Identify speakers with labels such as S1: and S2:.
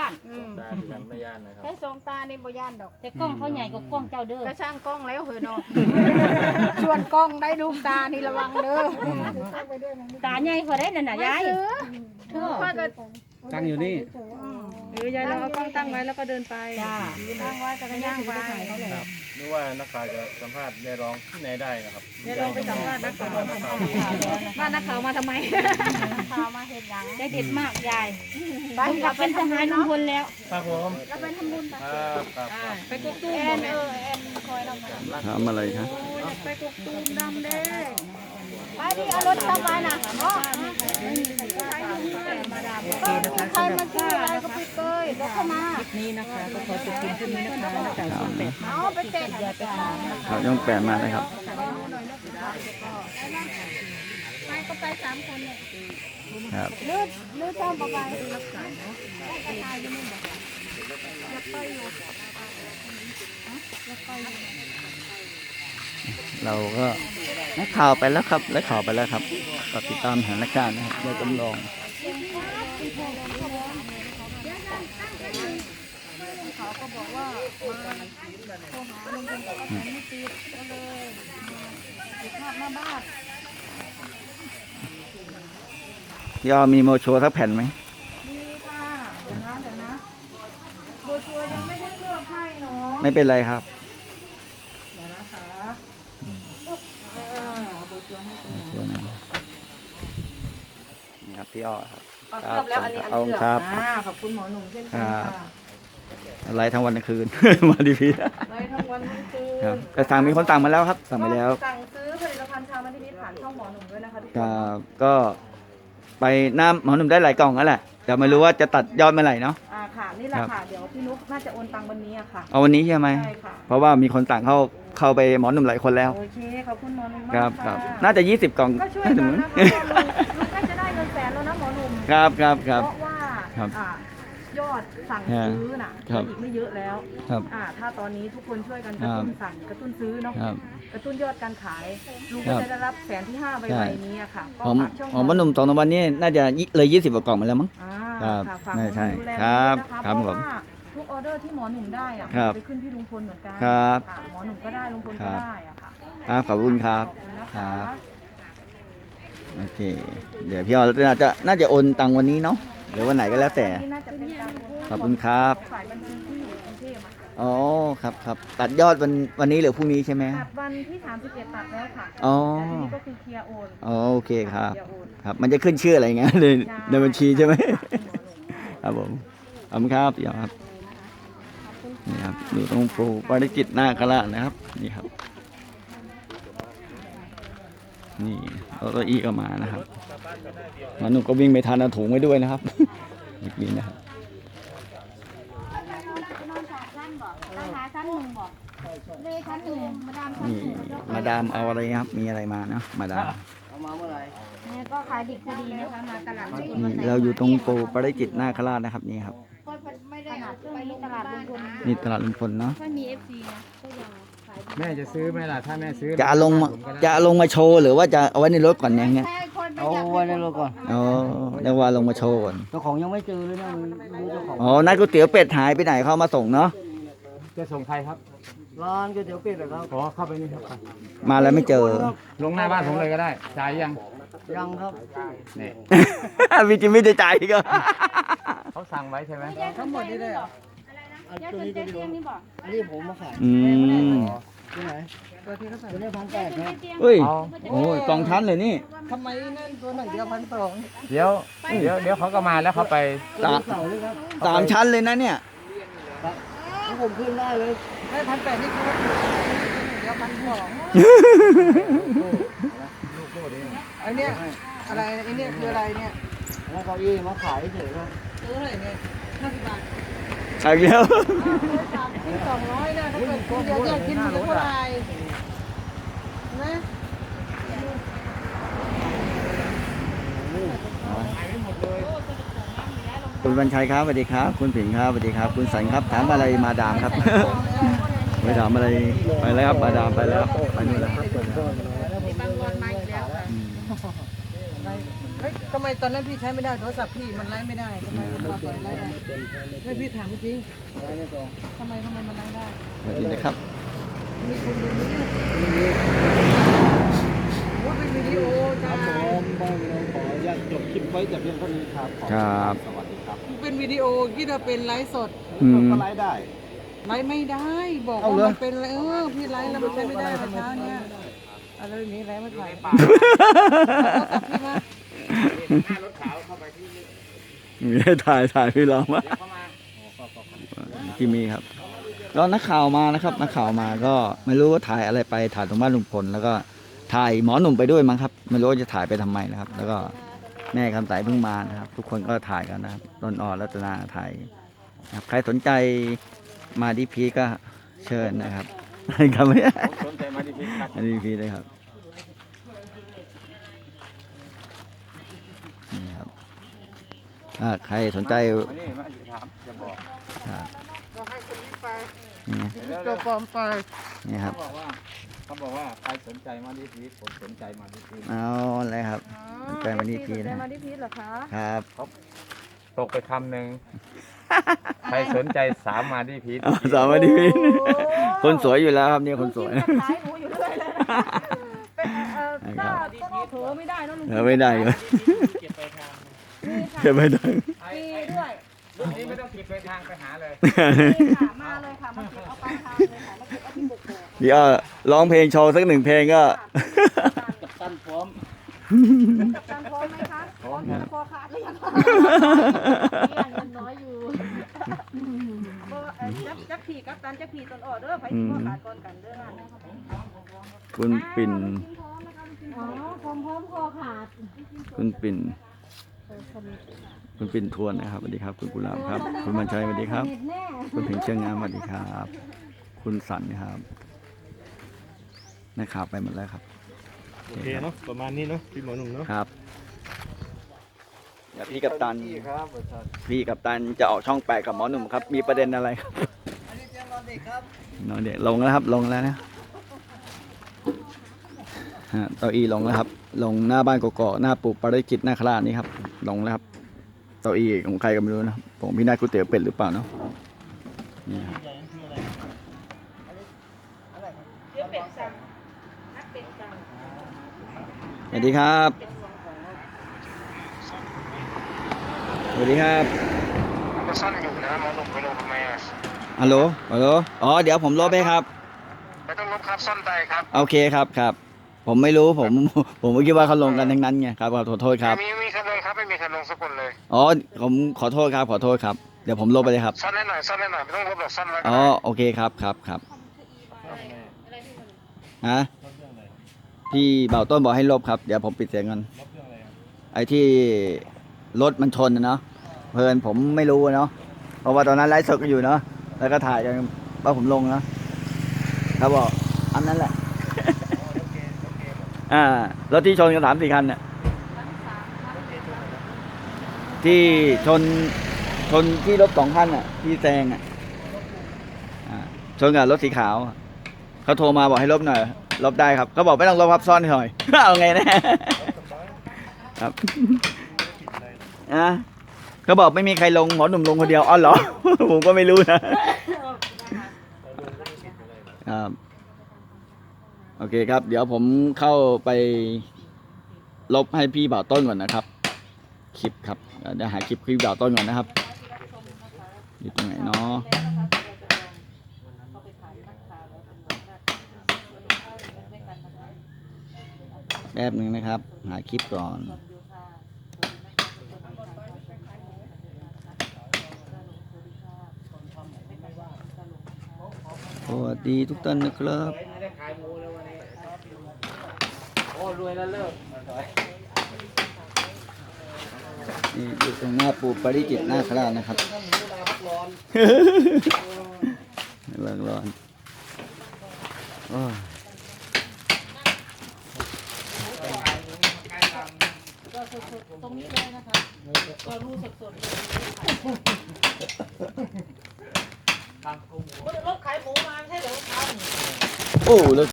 S1: าน
S2: ตาที่กันไม่ย่านนะครับ
S3: แค่สองตานี่บ่ย่านดอก
S1: แต่กล้องเขาใหญ่กว่ากล้องเจ้าเด้อ
S3: ก็ช่างกล้องแล้วเหอะเนาะ ชวนกล้องได้ลูกตานี่ระวังเด้อ
S1: ตาใหญ่กว่าได้นั่นน่ะยาย
S3: พ่อก็
S4: ตั้งอยู่นี่
S5: ยายเราเอากล้องตั้งไว้แล้วก็เดินไป
S1: จ้า
S3: ตั้งไว้จักรยานไป
S2: ครับนึกว่านักข่าวจะสัมภาษณ์ได้ร้องที่ไหนได้นะครับ
S5: เดี๋ยวเราไปสัมภาษณ์นักข่าวบ้านนักข่าวมาทำไม
S3: ข่าวมาเห็นหยัง
S1: ได้เด็ดมากยาย
S3: ไป
S1: ลุงกับเป็นทหารลุงพลแล้ว
S2: ครับผม
S3: เราไปทำบุญไป
S2: ครับครับ
S5: ไปกกตูม
S3: แอนแอนคอยเราไป
S4: ถามอะไรครับ
S5: ไปกกตูมดำเด้
S3: ไปดิเอารถเข้าไปน่ะเนาะใครมาซื้ออะไรก็ไปเกยแล้วเข้ามา
S5: นี่นะคะก็ขอจบเพียงเท่านี้นะคะนักข่าวช่องแปด
S3: เอาไปเตะ
S4: ข่าวช่องแปดมานะครับ
S3: ไปก็ไป3 คนเนี่ย
S4: ครับ
S3: เลือดต้อมไป
S4: เราก็นักข่าวไปแล้วครับและข่าวไปแล้วครับก็ติดตามสถานการณ์นะครับโดยจำลอง
S3: เขาก็บอกว่ามาโทรหาลุงพลกับป้าแตนไม่ติดก็เลยติดภาพหน้าบ้าน
S4: พี่อ้อมีโมโชว์สักแผ่นไหม
S3: ดีค่ะเดี๋ยวนะโบชัวยังไม่ได้เลือกให้เนาะ
S4: ไม่เป็นไรครับ
S3: เดี๋ยวนะคะ
S4: โมโชว์นะนี่ครับพี่อ้อครับ
S5: เอาเลือกแล้วอันนี้อัน
S4: เอา
S5: เลือก
S4: ครับ
S5: ขอบคุณหมอหนุ่มเช่นกันค่ะ
S4: อะไรทั้งวันทั้งคืน มาดีพี
S5: เลยทั้งวันทั้งคืน
S4: ครับแต่สั่งมีคนสั่งมาแล้วครับ สั่งไปแล้ว
S5: สั่งซื้อผลิตภัณฑ์ชามันทิพย์ผ่านช่องหมอหนุ่มด้วยนะคะทุกคน
S4: ก็ไปน้ำหมอหนุ่มได้หลายกล่องแล้วแหละแต่ไม่รู้ว่าจะตัดยอดเมื่อไหร่เนาะ
S5: ค่ะนี่แหละค่ะเดี๋ยวพี่นุ๊กน่าจะโอนตังค์วันนี้อะค่ะ
S4: เอาวันนี้ใช่ไหม
S5: ใช่ค่ะ
S4: เพราะว่ามีคนสั่งเข้าไปหมอหนุ่มหลายคนแล้ว
S5: โอเคขอบคุณหมอหนุ่มมาก
S4: ครับ
S5: ค่ะ
S4: น่าจะ20 กล่อง
S5: ก็ช่วย
S4: น่า
S5: กั
S4: จะ
S5: น
S4: เหมือน
S5: นะคะลุงน่าจะได้เงินแสนแล้วนะหมอหนุ่ม
S4: ครับครับ
S5: เพ
S4: ครับ
S5: ราะว่า
S4: ครับ
S5: ยอดสั่งซื้อน่ะ
S4: ครับ
S5: อีกไม่เยอะแล้ว
S4: ครับ
S5: ถ้าตอนนี้ทุกคนช่วยกันกระตุ้นสั่งกระตุ้นซื้อเนาะ
S4: ครับ
S5: กระตุ้นยอดการขายลุง
S4: ครั
S5: ก็
S4: บ
S5: จะได้รับแสนที่5ใบ
S4: ใช่
S5: นี้อะค่ะก็
S4: หอม
S5: ฝากช่อง
S4: หอมหมอหนุ่มสองวันนี้น่าจะเลย20 กว่ากล่องมาแล้วมั้ง
S5: อ่า
S4: ครับ
S5: ค่ะฝาก
S4: ใช่
S5: หมอหนุ่มดูแล
S4: ครับ
S5: ด้วยนะคะ
S4: ครับ
S5: เพ
S4: ผ
S5: ราะ
S4: ม
S5: ว่าทุกออเดอร์ที่หมอหนุ่มได้อะ
S4: ครับ
S5: ไปขึ้นที่ลุงพลเหมือนกัน
S4: ครับ
S5: ะหมอหนุ่มก็ได้ลุงพล
S4: ครั
S5: ก็
S4: บ
S5: ได้อะค่ะ
S4: ครับขอบคุณครับ
S5: ขอบคุณนะ
S4: ครั
S5: คะ
S4: บ โอเค เดี๋ยวพี่อ้อน่าจะโอนตังค์วันนี้เนาะหรือวันไหนก็แล้วแต่
S5: นี่น่าจะเป็นการ
S4: ขอบคุณครับ
S5: ฝ่ายบัญชีที่อยู่กรุงเทพอะค่ะ
S4: อ๋อครับครับตัดยอดวันนี้หรือพรุ่งนี้ใช่ไหม
S5: ตัดวันที่31ตัดแล้วค่ะ
S4: อ๋อ
S5: แต่ทีนี้ก็คือเคลียร์โอน
S4: อ๋อโอเคครับ
S5: เคลียร์โอน
S4: ครับ มันจะขึ้นชื่ออะไรเงี้ยในบัญชีใช่ไหม ครับผมขอบคุณครับพี่อ้อครับนี่ครับอยู่ตรงปูปาริจิตนาคราชนะครับนี่ครับ นี่รถอีก็มานะครับหมาหนุ่มก็วิ่งไปทานเอาถุงไว้ด้วยนะครับ อีกนิดนะครับ
S3: นอนชั้นบอกราคาชั้นหนึ่งบอกเลยชั้นหนึ่งมาดามชั้น
S4: นี่
S3: หนึ่ง
S4: มาดามเอาอะไรครับ มีอะไรมาเนาะมาดาม
S3: เนี่ยก็ขายดิบคดีนะคะมาตลาด
S4: นี่เราอยู่ตรงปูปาริจิตนาคราชนะครับนี่ครับ
S3: ไม่ได้ไปตลาดลุงพล
S4: นี่ตลาดลุงพลเนาะ
S3: ถ้ามี FC นะก็ยังขายดี
S2: แม่จะซื้อไหมล่ะถ้าแม่ซื้อ
S4: จะเอาลงมาโชว์หรือว่าจะเอาไว้ในรถก่อนอย่างเงี้ย
S3: ใช่คนไม่
S6: เอา
S3: อยาก
S6: ไว้ในรถก่อน
S4: อ๋อเรียกว่าลงมาโชว์ก่อน
S6: เจ้าของยังไม่เจอเลยนะรู้เจ้าของ
S4: อ๋อนัดก๋วยเตี๋ยวเป็ดหายไปไหนเขาเอามาส่งเนาะ
S2: จะส่งใครครับ
S6: ร้านก๋วยเตี๋ยวเป็ดเหรอครับ
S2: ขอเข้าไปนี่ครับ
S4: มาแล้วไม่เจอ
S2: ลงหน้าบ้านผมเลยก็ได้จ่ายยัง
S6: ยังครับ
S2: นี่
S4: วิจิไม่ได้ใจก็
S2: เขาสั่งไว้ใช่ไหม
S6: ทั้งหมดนี่เลยเหรออัน
S3: ยาย
S6: ตัว
S3: คน
S6: นี้
S3: เจ๊
S6: ตัว
S3: เตี
S6: เดี
S3: ย
S6: ยว
S3: งนี่บอก
S6: อันนี้ผมมาขาย
S4: อืม
S6: ที่ไหนตัวนี้1,800ครับ
S4: เฮ้ยโอ้ยกองทันเลยนี่
S6: ทำไมนั่นตัวหนึ่งเดียว1,200
S2: เดี๋ยวเขาก็มาแล้วเขาไป
S6: ตัวเสาเลยครับ
S4: 3 ชั้นเลยนะเนี่ย
S6: ถ้าผมขึ้นได้เลยได้1,800นี่คือว่าเดียว1,200อันเนี้ยอะไรอันเนี้ยคืออะไรเนี่ยแล้วเก้าอี้มาขายเฉยครับซื้อเท่าไหร่เนี่ย50 บาท
S4: ใช่แล้ว
S6: 200นะถ้าเกิดคนเดียวแยกกินมันจะเท่าไหร่นะ
S4: คุณบรรชัยครับสวัสดีครับ คุณผิงครับสวัสดีครับ คุณสันครับถามอะไรมาดามครับ ไม่ถามอะไรไปแล้วครับมาดามไปแล้วไปนู่นแล้วครับ
S5: มีบางวันมาอีกแล้วค่ะ
S6: ไม่ฮ้ยทำไมตอนนั้นพี่ใช้ไม่ได้โทรศัพท์พี่มันไลฟ์ไม่ได้ทำไมมันปล่อยไลฟ์ได้ไม่พี่ถามจริงทำไมมันไลฟ์ได้
S4: สวัสดีนะครับ
S6: มีคนดูไหมเนี่ยโอ้เป็นวิดีโอจ้า
S2: ขออนุญาตจบคลิปไว้แต่เพียงเท่านี้ครับ
S4: ครับ
S2: สวัสดีครับ
S6: เป็นวิดีโอที่เราเป็นไลฟ์สด
S4: อืม
S2: ก็ไลฟ์ได้
S6: ไลฟ์ไม่ได้บอก
S2: เอา
S6: ว่า
S2: เหรอ
S6: มันเป็นอะไรพี่ไลฟ์แล้วมันใช้ไม่ได้เมื่อเช้าเนี่ยอะไรแบบนี้ไลฟ์ไม่ถ่ายพี่มา
S4: มีให้ถ่ายพี่ลองมาที่มีครับก็นักข่าวมานะครับนักข่าวมาก็ไม่รู้ว่าถ่ายอะไรไปถ่ายตรงบ้านลุงพลแล้วก็ถ่ายหมอหนุ่มไปด้วยมั้งครับไม่รู้ว่าจะถ่ายไปทำไมนะครับ แล้วก็แม่คำใสเพิ่งมานะครับ ทุกคนก็ถ่ายกันนะครับต้นอ่อนรัตนาถ่ายนะครับใครสนใจมาดีพีก็เชิญนะครับครับไม่ได้
S2: สนใจมาดีพีครับ
S4: มาดีพีเลยครับนี่ครับถ้าใครสนใจ
S2: มานี่มาถามจะบอก
S4: ครับ
S6: ก็ให้คนนี้ไป
S4: นี่
S6: ตัวปลอมไป
S4: นี่ครับ
S2: เขาบอกว่าใครสนใจมาดีพีผมสนใจมาดีพี
S4: เอาเลยครับ ใจมาดีพีนะ
S5: มาที่พีชเหรอคะ
S4: ครับ
S2: ตกไปคำหนึ่งใครสนใจสามมาดีพี
S4: เอาสามมาดีพีคนสวยอยู่แล้วครับนี่คนสวย
S5: ขายหนูอยู่เรื่อยเลยนะเป็น
S4: ครับ
S5: ก็เผลอไม่ได้เนอะลุง
S4: ไม่ได้เลย
S2: เก็บไปทาง
S4: เก็บไม่ได้
S5: มีด้วย
S2: รุ่นนี้ไม่ต้องเก็บไปทางไปหาเลย
S5: นี่ค่ะมาเลยค่ะมาเก็บเอาไปทานเลยค่ะมาเก็บเอาที่บุกโกะ
S4: เดี๋ยวร้องเพลงโชว์สักหนึ่งเพลงก็
S2: กับตันพร้อม
S5: กับการพร้อมไหมคะพร้อมจะคอขาดหรือยังคะเงินน้อยอยู่จักผีกับตันจักผีตอนออเดอร์ไปที่คอขาดก่อนกันเด้อ
S4: คุณปิ่น
S5: อ๋อพร้อมคอขาด
S4: คุณปิ่นคุณปิ่นทวนนะครับสวัสดีครับ คุณกุหลาบครับ คุณบรรชัยสวัสดีครับ คุณถึงเชียงงามสวัสดีครับ คุณสันครับนะครับไปหมดแล้วครับ
S2: โอเคเนาะประมาณนี้เนาะพี่หมอหนุ่มเนาะ
S4: ครับเดี๋ยวพี่กัปตัน
S2: ครับ
S4: พี่กัปตันจะออกช่องแปดกับหมอหนุ่มครับ มีประเด็นอะไรครับ
S6: อันนี้เตียงนอนเด็กครับ
S4: นอนเด็กลงแล้วครับ ลงแล้วนะฮะเต้าอี้ลงแล้วครับ ลงหน้าบ้านกอกๆหน้าปู่ปาริจิตนาคราชนี่ครับ ลงแล้วครับเต้าอี้ของใครก็ไม่รู้นะผมพี่นายก๋วยเตี๋ยวเป็ดหรือเปล่าเนาะนี่ครับ
S5: เดี๋ยวเป็ดสั่งนักเป็ดสั่ง
S4: สวัสดีครับสวัสดีครับ
S2: ก็ซ่อนอยู่นะหมอหนุ่มไปลงทำไมอ่ะ
S4: ฮัลโหลฮัลโหลอ๋อเดี๋ยวผมลบให้ครับ
S2: ไม่ต้องลบครับซ่อนใจครับ
S4: โอเคครับครับ ผมไม่รู้ผมไม่คิดว่าเขาลงกันทั้งนั้นไงครับขอโทษครับ
S2: มีคันลงครับไม่มีคันลงสักคนเลย
S4: อ๋อผมขอโทษครับขอโทษครับเดี๋ยวผมลบไปเลยครับ
S2: ซ่อนให้หน่อยไม่ต้องลบหรอกซ่อนไว้
S4: อ๋อโอเคครับครับฮะพี่เบาต้นบอกให้ลบครับเดี๋ยวผมปิดเสียงกันไอ้ที่รถมันชนนะเนาะเพลินผมไม่รู้เนาะเพราะว่าตอนนั้นไลฟ์สดกันอยู่เนาะแล้วก็ถ่ายกันว่าผมลงนะครับบอกอันนั้นแหละ รถที่ชนกัน3-4 คันเนี่ยที่ชนที่รถ2 คันอ่ะที่แซงอ่ะชนกับรถสีขาวเขาโทรมาบอกให้ลบหน่อยลบได้ครับเขาบอกไม่ต้องลบครับซ่อนหน่อย เอาไงแน่ ครับเขาบอกไม่มีใครลงหมอหนุ่มลงคนเดียวอ๋อเหรอ ผมก็ไม่รู้นะครับโอเคครับเดี๋ยวผมเข้าไปลบให้พี่บ่าวต้นก่อนนะครับคลิปครับเดี๋ยวหาคลิปพี่บ่าวต้นก่อนนะครับอยู่ตรงไหนเนาะแป๊บหนึ่งนะครับหาคลิปก่อนสวัสดีทุกท่านนะครับ
S2: โอ้รวยแล้วเลิก
S4: นี่อยู่ตรงหน้าปู่ปาริจิตนาคราชนะครับร้อนโอ้ย
S5: ตรงนี้เลยนะคะก็รู้สดๆเลยรถขายหมูมาใช่เหรอครับ
S4: โอ้แล้ว